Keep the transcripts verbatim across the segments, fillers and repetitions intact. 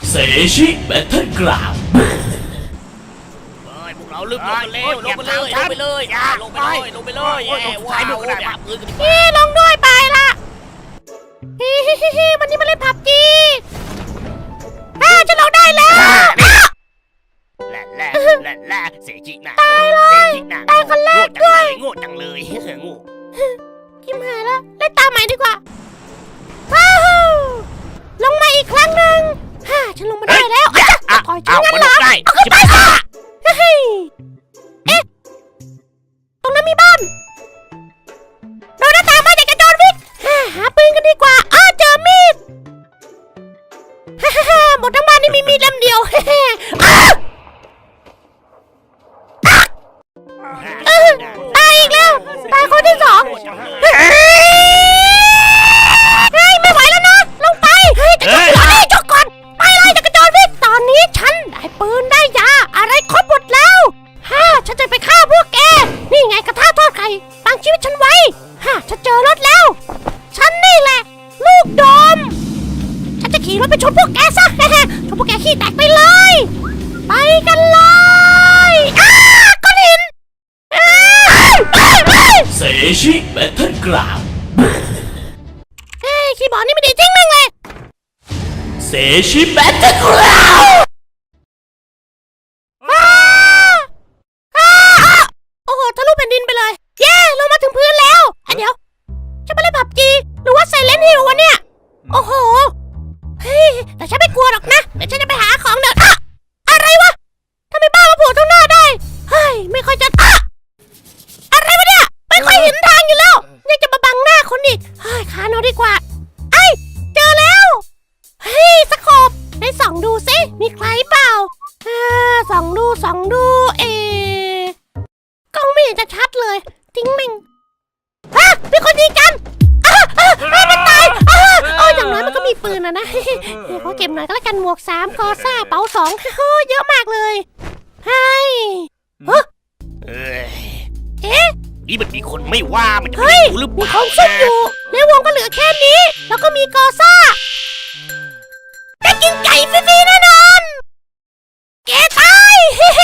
เซชิแบทเทิลกราวด์พวกเราลืมลงไปเร็วลงไปเลยลงไปเลยลงไปเลยลงไปเลยว้าวแบบมือกันดิลงด้วยไปละฮิฮิฮิฮิวันนี้มาเล่นผับจีอ่าจะลงได้แล้วแหละแหละแหละแหละเสียจิน่ะตายเลยตายคนแรกด้วยโง่จังเลยโง่กิมหายแล้วเล่นตามใหม่ดีกว่าว้าวลงมาอีกครั้งหนึ่งฮ่าฉันลงมาได้แล้วอ่ะต่อยฉันงั้นเหรอเอาขึ้นไปค่ะเฮ้ยเอ๊ะตรงนั้นมีบ้านเราหน้าตามาจากกระโจนวิกหาปืนกันดีกว่าอ้าเจอมีดฮ่าฮ่าหมดทั้งบ้านนี่มีมีดเล่มเดียวเฮ้อ้าตายอีกแล้วตายคนที่สองเฮ้ยไม่ไหวแล้วนะลงไปเฮ้ยจะจบก่อนดิจบก่อนไปเลยจะกระโจนวิกตอนนี้ฉันได้ปืนได้ยาอะไรครบหมดแล้วฮ่าฉันจะไปฆ่าพวกแกนี่ไงกระทะทอดไข่ตั้งชีวิตฉันไว้ฮ่าฉันเจอรถแล้วฉันนี่แหละลูกดอมฉันจะขี่รถไปชนพวกแกซะชนพวกแกขี้แตกไปเลยไปกันเลยอ้าก้อนหินเซชิแบทเทิลกราวด์เฮ้ยคีย์บอร์ดนี่ไม่ดีจริงมั้งเลยเซชิแบทเทิลกราวด์โอ้โหทะลุแผ่นดินไปเลยเย้ลงมาถึงพื้นแล้วเดี๋ยวจะมาเล่นผับจีหรือว่าไซเลนท์ฮิลวะเนี่ยโอ้โหเฮ้ยแต่ฉันไม่กลัวหรอกนะเดี๋ยวฉันจะไปหาของเดินอะอะไรวะทำไมบ้ามาโผล่ตรงหน้าได้เฮ้ยไม่ค่อยจะอะอะไรวะเนี่ยไม่ค่อยเห็นทางอยู่แล้วยังจะมาบังหน้าคนอีกเฮ้ยคานเอาดีกว่าไอ้เจอแล้วเฮ้ยสกบได้ส่องดูสิมีใครเปล่าอ่าส่องดูส่องดูเอกล้องไม่เห็นจะชัดเลยทิ้งแม่งฮะมีคนยิงกันอ้าอ้าอ้ามันตายอ้าโอ้ยอย่างน้อยมันก็มีปืนนะนะเขาเก็บหน่อยก็แล้วกันหมวกสามกอซ่าเป๋าสองเยอะมากเลยเฮ้ยเฮ้ยเอ๊ะนี่มันมีคนไม่ว่ามันจะมีหรือเปล่ามีคนซุ่มอยู่ในวงก็เหลือแค่นี้แล้วก็มีกอซ่าได้กินไก่ฟรีๆแน่นอนแกตาย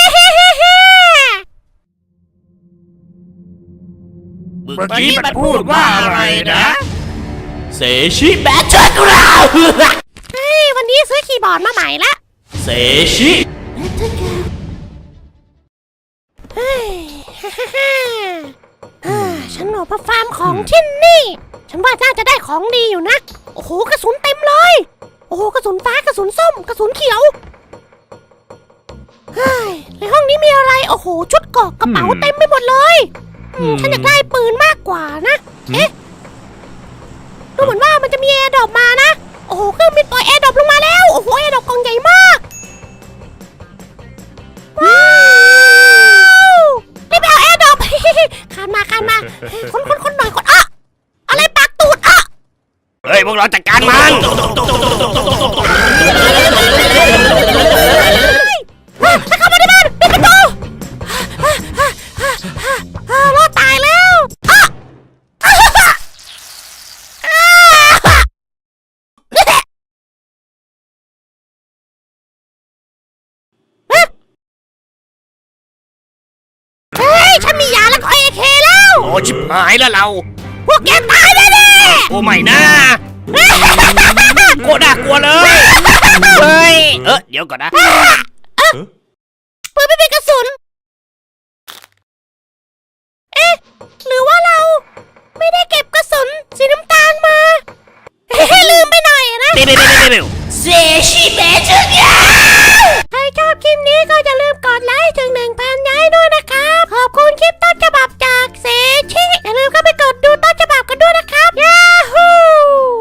เมื่อกี้มันพูดว่าอะไรนะเซชิแบทเทิลกราวด์เฮ้ยวันนี้ซื้อคีย์บอร์ดมาใหม่ละเซชิเฮ้ยฮ่าฮ่าฮ่าฉันออกมาฟาร์มของที่นี่ฉันว่าน่าจะได้ของดีอยู่นะโอ้โหกระสุนเต็มเลยโอ้โหกระสุนฟ้ากระสุนส้มกระสุนเขียวเฮ้ยในห้องนี้มีอะไรโอ้โหชุดเกราะกระเป๋าเต็มไปหมดเลยฉันอยากได้ปืนมากกว่านะเอ๊ะดูเหมือนว่ามันจะมีแอร์ดรอปมานะโอ้โหเครื่องบินปล่อยแอร์ดรอปลงมาแล้วโอ้โหแอร์ดรอปกองใหญ่มากว้าวรีบไปเอาแอร์ดรอปคานมาคานมาคนคนคนหน่อยคนอ่ะอะไรปากตูดอ่ะเฮ้ยพวกเราจัดการมันเข้ามาในบ้านปิดประตูรอดตายแล้วเฮ้ยฉันมียาแล้วก็เอเคแล้วโอ้ชิบหายแล้วเราพวกแกตายแน่ๆโอ้ไม่นะโคตรน่ากลัวเลยเฮ้ยเออเดี๋ยวก่อนนะปืนไม่มีกระสุนเอ๊ะหรือว่าเราไม่ได้เก็บกระสุนสีน้ำตาลมาเฮ้ลืมไปหน่อยนะเร็วๆๆเซชิแบทเทิลกราวด์ใครชอบคลิปนี้ก็อย่าลืมกดไลค์ถึง หนึ่งพัน